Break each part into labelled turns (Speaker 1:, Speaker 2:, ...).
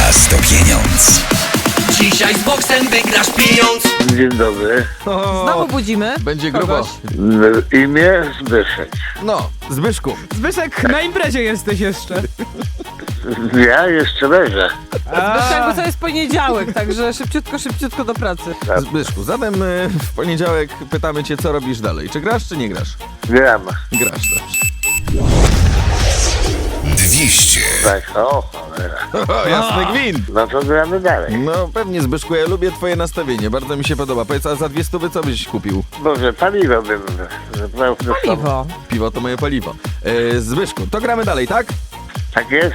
Speaker 1: Czas to pieniądz.
Speaker 2: Dzisiaj z boksem wygrasz pieniądz.
Speaker 3: Dzień dobry.
Speaker 4: Znowu budzimy
Speaker 5: Będzie grubo.
Speaker 4: kogoś.
Speaker 3: Imię Zbyszek.
Speaker 5: No, Zbyszku.
Speaker 6: Zbyszek, na imprezie jesteś jeszcze.
Speaker 3: Ja jeszcze leżę.
Speaker 4: Zbyszek, bo to jest poniedziałek, także szybciutko do pracy.
Speaker 5: Zbyszku, zatem w poniedziałek pytamy cię, co robisz dalej. Czy grasz, czy nie grasz?
Speaker 3: Gram.
Speaker 5: Grasz, dobrze.
Speaker 1: 200.
Speaker 3: Tak, o cholera.
Speaker 5: O, jasny gwint.
Speaker 3: No to gramy dalej.
Speaker 5: No pewnie, Zbyszku, ja lubię twoje nastawienie, bardzo mi się podoba. Powiedz, a za 200 co byś kupił?
Speaker 3: Może paliwo bym zabrał.
Speaker 4: Paliwo.
Speaker 5: Piwo to moje paliwo. Zbyszku, to gramy dalej, tak?
Speaker 3: Tak jest?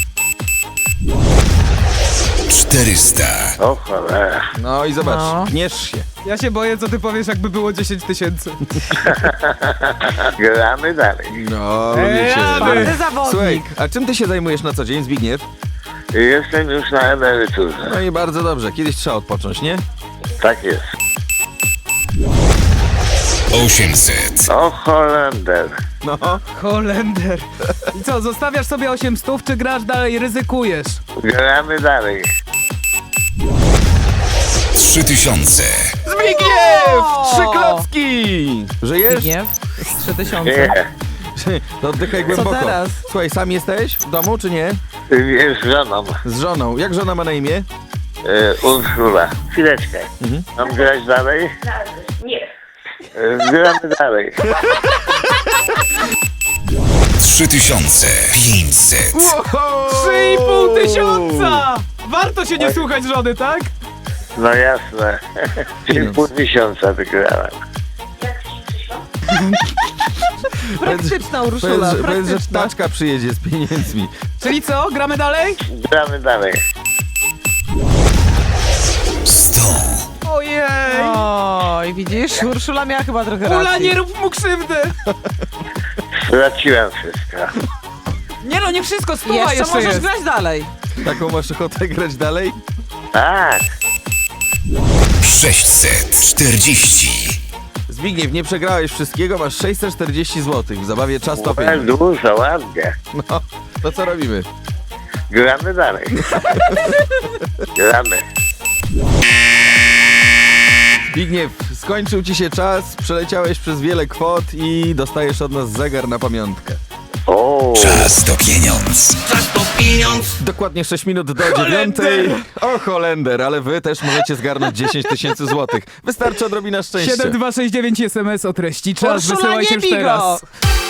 Speaker 1: 400.
Speaker 3: O cholera.
Speaker 5: No i zobacz,
Speaker 4: No.
Speaker 5: gniesz się.
Speaker 6: Ja się boję, co ty powiesz, jakby było 10 000.
Speaker 3: Gramy dalej.
Speaker 5: No, lubię cię.
Speaker 4: Twardy zawodnik.
Speaker 5: Słuchaj, a czym ty się zajmujesz na co dzień, Zbigniew?
Speaker 3: Jestem już na emeryturze.
Speaker 5: No i bardzo dobrze, kiedyś trzeba odpocząć, nie?
Speaker 3: Tak jest.
Speaker 1: 800.
Speaker 3: O Holender.
Speaker 5: No,
Speaker 6: Holender. I co, zostawiasz sobie 800, czy grasz dalej, ryzykujesz?
Speaker 3: Gramy dalej.
Speaker 1: 3000.
Speaker 5: Zbigniew! 3 klocki! Żyjesz?
Speaker 4: Zbigniew, 3000.
Speaker 3: Nie.
Speaker 5: To oddychaj głęboko.
Speaker 4: teraz?
Speaker 5: Słuchaj, sam jesteś w domu, czy nie?
Speaker 3: Jest żoną.
Speaker 5: Z żoną. Jak żona ma na imię?
Speaker 3: Urszula. Chwileczkę. Mam grać dalej?
Speaker 7: Nie.
Speaker 3: Gramy dalej.
Speaker 1: 3500.
Speaker 6: 3,5 tysiąca! Warto się nie słuchać żony, tak?
Speaker 3: No jasne. 3,5 tysiąca wygrałem.
Speaker 4: Praktyczna Urszula,
Speaker 5: Powiedz, że
Speaker 4: praktyczna.
Speaker 5: taczka przyjedzie z pieniędzmi.
Speaker 6: Czyli co, gramy dalej?
Speaker 3: Gramy dalej.
Speaker 1: 100.
Speaker 6: Ojej!
Speaker 4: Oj, widzisz, Urszula miała chyba trochę racji.
Speaker 6: Ula, nie rób mu krzywdy!
Speaker 3: Straciłem wszystko.
Speaker 6: Nie no, nie wszystko, stuwa
Speaker 4: Jeszcze
Speaker 6: jeszcze
Speaker 4: możesz
Speaker 6: jest.
Speaker 4: grać dalej.
Speaker 5: Taką masz ochotę grać dalej?
Speaker 3: Tak.
Speaker 1: 640.
Speaker 5: Zbigniew, nie przegrałeś wszystkiego, masz 640 zł. W zabawie Czas to
Speaker 3: Well,
Speaker 5: pieniądz.
Speaker 3: dużo, ładnie.
Speaker 5: No, to co robimy?
Speaker 3: Gramy dalej. Gramy.
Speaker 5: Zbigniew, skończył ci się czas, przeleciałeś przez wiele kwot i dostajesz od nas zegar na pamiątkę.
Speaker 3: O,
Speaker 1: Czas to pieniądz.
Speaker 2: Czas to pieniądz.
Speaker 5: Dokładnie 6 minut do 9. O, Holender, ale wy też możecie zgarnąć 10 000 złotych. Wystarczy odrobina szczęścia.
Speaker 6: 7269 SMS o treści. Czas,
Speaker 4: Urszula,
Speaker 6: wysyłajcie
Speaker 4: nie
Speaker 6: już
Speaker 4: bij go!
Speaker 6: teraz.